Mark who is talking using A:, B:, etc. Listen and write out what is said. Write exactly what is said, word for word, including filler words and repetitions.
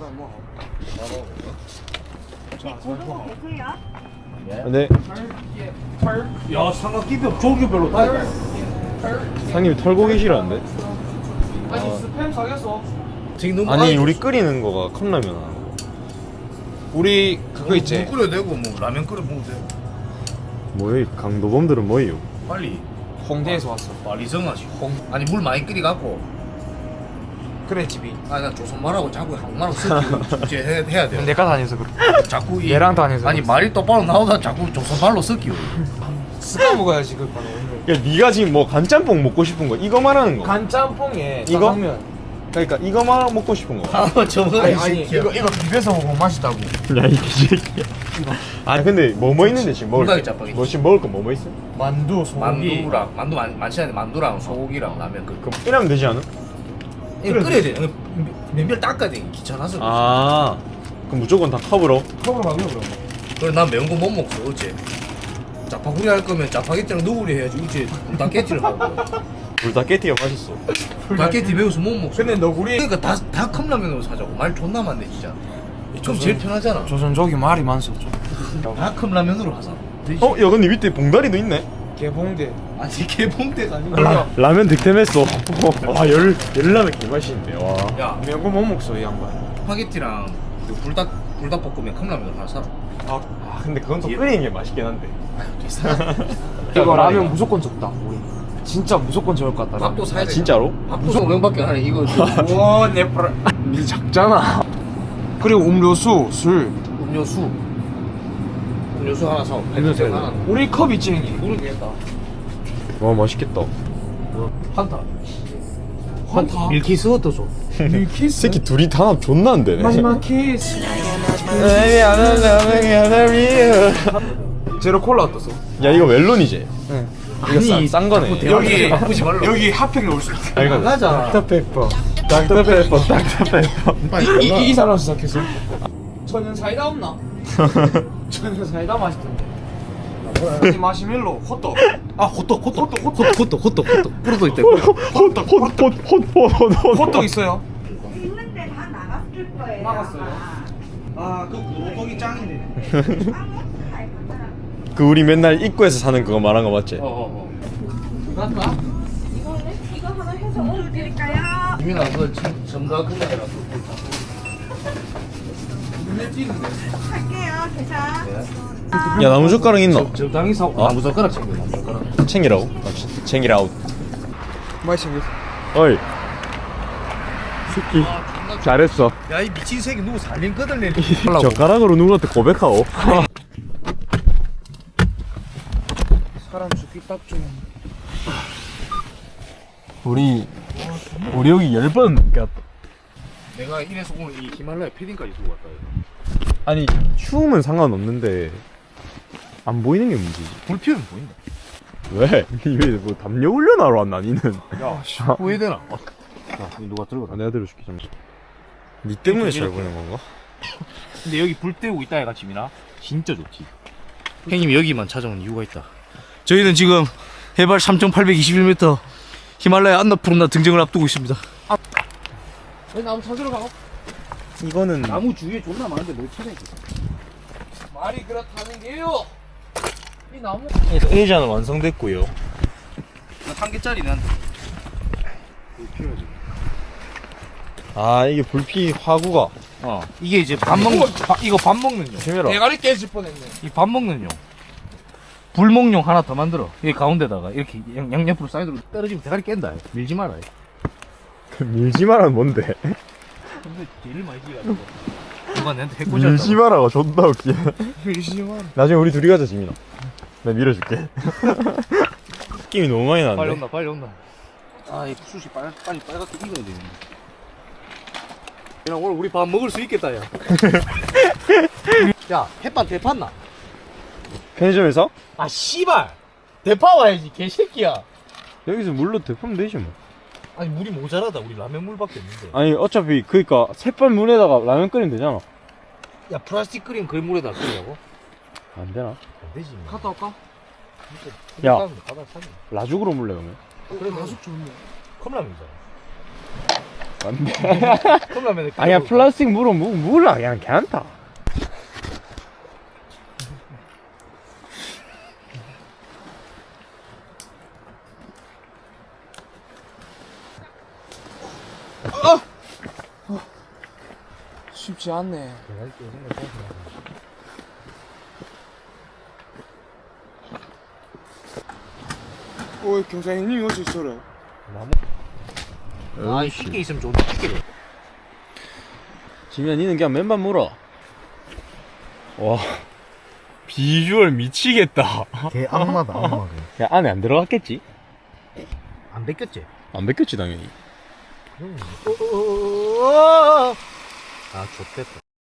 A: 네.
B: 야, 삼각김밥 종류별로 다 있다.
A: 상님이 털고 계시라는데?
B: 아니, 스팸 사겠어.
A: 아니, 우리 끓이는 거가 컵라면.
B: 우리 그거 있지.
C: 물 끓여도 되고 뭐 라면 끓여 먹어도 되고.
A: 뭐야, 이 강도범들은 뭐예요?
C: 빨리
B: 홍대에서 왔어.
C: 빨리 정하시. 홍 아니 물 많이 끓여갖고.
B: 그래 집이.
C: 아니 나 조선말하고 자꾸 한국말하고 섞이고 이제 해, 해야 돼.
B: 내가 다녀서 그래.
C: 자꾸 이,
B: 얘랑 다녀서.
C: 아니 말이 똑바로 나오다 자꾸 조선말로 섞이고.
B: 습관 먹어야지 그 거는.
A: 야, 네가 지금 뭐 간짬뽕 먹고 싶은 거 이거 말하는 거?
B: 간짬뽕에
A: 이거?
B: 짜장면.
A: 그러니까 이거만 먹고 싶은 거.
C: 아 저거
B: 아니 아니 이거 이거 비벼서 먹으면 맛있다고.
A: 야, 이 개새끼야. 아, 근데 뭐 뭐 있는데 지금 먹을
C: 불닭이
A: 거?
C: 짜파게티.
A: 뭐 지금 먹을 거 뭐 뭐 있어?
B: 만두, 소고기.
C: 만두랑 만두 많, 많지 않은데 만두랑 소고기랑 라면 그.
A: 그럼 이러면 되지 않아?
C: 이거 끓여야 돼. 면별 닦아야 돼. 귀찮아서.
A: 아, 그럼 무조건 다 컵으로?
B: 컵으로 가면 그럼.
C: 그래 난 매운 거 못 먹어 어째. 짜파구리 할 거면 짜파게티랑 너구리 해야지 어째 닭게티를 하고.
A: 불닭게티가 맛있어.
C: 닭게티 매워서 못 먹어.
B: 근데 너구리
C: 그러니까 다, 다 컵라면으로 사자고. 말 존나 많네 진짜. 좀 제일 편하잖아.
B: 조선족이 말이 많소 좀.
C: 다 컵라면으로 하자.
A: 어, 야, 근데 밑에 봉다리도 있네?
B: 개봉대.
C: 아니 개봉대가 아니고.
B: 라,
A: 라면 득템했어. 와, 열, 열라면 개맛있는데, 와.
C: 야
B: 매운 못 먹소 이 양반.
C: 스파게티랑 그 불닭 불닭볶음면 컵라면으로 하나 사라.
A: 아, 근데 그건 또
C: 예.
A: 끓이는 게 맛있긴 한데.
B: 이거 라면 무조건 적다 우리. 진짜 무조건 적을 것 같다.
C: 밥도 사야
A: 아,
C: 돼.
A: 진짜로?
C: 밥도 오 명밖에 안 해. 이거
B: 와, 내 프라. 니 작잖아. 그리고 음료수, 술.
C: 음료수. 음료수 하나 사.
A: 음료수
C: 하나.
A: 하나.
B: 우리 컵 있지 형님.
C: 모르겠다.
A: 와, 맛있겠다.
C: 한타.
B: 환타.
C: 밀키스 어떠줘?
B: 밀키스.
A: 새끼 둘이 단합 존나 안 되네.
B: 마지막 키스. 제로 콜라 어떠소?
A: 야, 이거 멜론이지?
B: 응.
A: 이거 싼, 싼 거네.
B: 여기
C: 바꾸지 말라.
B: 여기 핫팩 넣을 수 있어.
A: 아, 이거
C: 나가자.
A: 닥터페퍼. 닥터페퍼, 닥터페퍼.
B: 이, 이, 이 사람 시작했어. 천연 사이다 없나? 천연 사이다 맛있던데. 이 마시멜로 호떡.
C: 아 호떡 호떡 호떡 호떡 호떡 호떡 호떡 뿌려도 있다.
A: 호떡, 호떡, 호떡, 호떡.
B: 호떡 있어요?
D: 있는데 다 나갔을 거예요.
B: 나갔어요.
C: 아 그 호떡이 짱이네.
A: 그 우리 맨날 입구에서 사는 그거 말한 거 맞지?
C: 어어어.
B: 맞나?
D: 이거는 이거 하나 해서 오늘 드릴까요?
C: 이민아 그 점가 금액이라
B: 눈에 띄는데.
D: 할게요. 계산.
A: 야, 나무젓가락 있노?
C: 적당히 사고.
A: 어?
C: 나무젓가락 챙겨 나무젓가락.
A: 챙기라고? 아, 치- 챙기라웃.
B: 많이 생겼어.
A: 어이. 새끼. 잘했어.
C: 야이 미친 새끼 누구 살림 끄들래?
A: 젓가락으로 누구한테 고백하오?
B: 사람 죽기 딱 좋은.
A: 우리, 우리 여기 열 번 갔다.
C: 내가 이래서 오늘 이 히말라야 패딩까지 두고 왔다. 이거.
A: 아니, 추우면 상관없는데, 안 보이는 게 문제지.
C: 불 피우면 보인다.
A: 왜? 왜, 뭐, 담요 훈련하러 왔나, 니는?
C: 야, 후회 되나? 야, 이거 누가 들고
A: 아, 내가 들어줄게, 좀. 니 때문에 잘 보는 건가?
C: 근데 여기 불 때우고 있다 해가 지민아 진짜 좋지. 형님이 여기만 찾아온 이유가 있다. 저희는 지금 해발 삼천팔백이십일 미터 히말라야 안나푸르나 등정을 앞두고 있습니다.
B: 왜 나무 찾으러 가?
A: 이거는.
C: 나무 주위에 존나 많은데 뭘 찾아 있어?
B: 말이 그렇다는 게요. 이 나무.
A: 그래서 의자는 완성됐고요.
C: 한 개짜리는 한
A: 아, 이게 불피 화구가.
C: 어 이게 이제 밥 먹는 밥- 이거 밥 먹는 용.
A: 재미라.
B: 대가리 깨질 뻔했네.
C: 이 밥 먹는 용. 불목용 하나 더 만들어. 이 가운데다가 이렇게 양, 양옆으로 사이드로 떨어지면 대가리 깬다. 밀지 마라.
A: 밀지 마라는 뭔데?
C: 근데 제일 많이 지가지고 누가 내한테 해코지
A: 밀지 마라가 존나 웃기네.
B: 밀지마.
A: 나중에 우리 둘이 가자, 지민아. 내가 밀어줄게. 느낌이 너무 많이
C: 빨리
A: 나는데.
C: 온다 빨리 온다. 아이 숯이 빨, 빨리 빨갛게 익어야 되는데. 야 오늘 우리 밥 먹을 수 있겠다 야. 야 햇반 대팠나?
A: 편의점에서?
C: 아 씨발 대파 와야지 개새끼야.
A: 여기서 물로 데우면 되지 뭐.
C: 아니 물이 모자라다. 우리 라면 물밖에 없는데.
A: 아니, 어차피, 그니까, 샛반 물에다가 라면 끓이면 되잖아.
C: 야 플라스틱 끓인 그 물에다 끓이라고?
A: 안 되나?
C: 안 되지. 뭐.
B: 갔다 올까?
A: 야.
C: 가다 사자.
A: 라죽으로 물래, 그러면.
C: 그래
B: 가속 좋네.
C: 컵라면이잖아. 컵라면에
B: 아니야 플라스틱 물어 무 물라 그냥 괜찮다. 쉽지 않네. 오 경사님이 어디 있어라?
C: 아 쉽게 있으면 좋은데 쉽게.
B: 지면 니는 그냥 맨만 물어. 와 비주얼 미치겠다.
A: 개 악마다 악마.
B: 야 안에 안 들어갔겠지?
C: 안 뺏겼지?
B: 안 뺏겼지 당연히.
C: 아 좋댔다.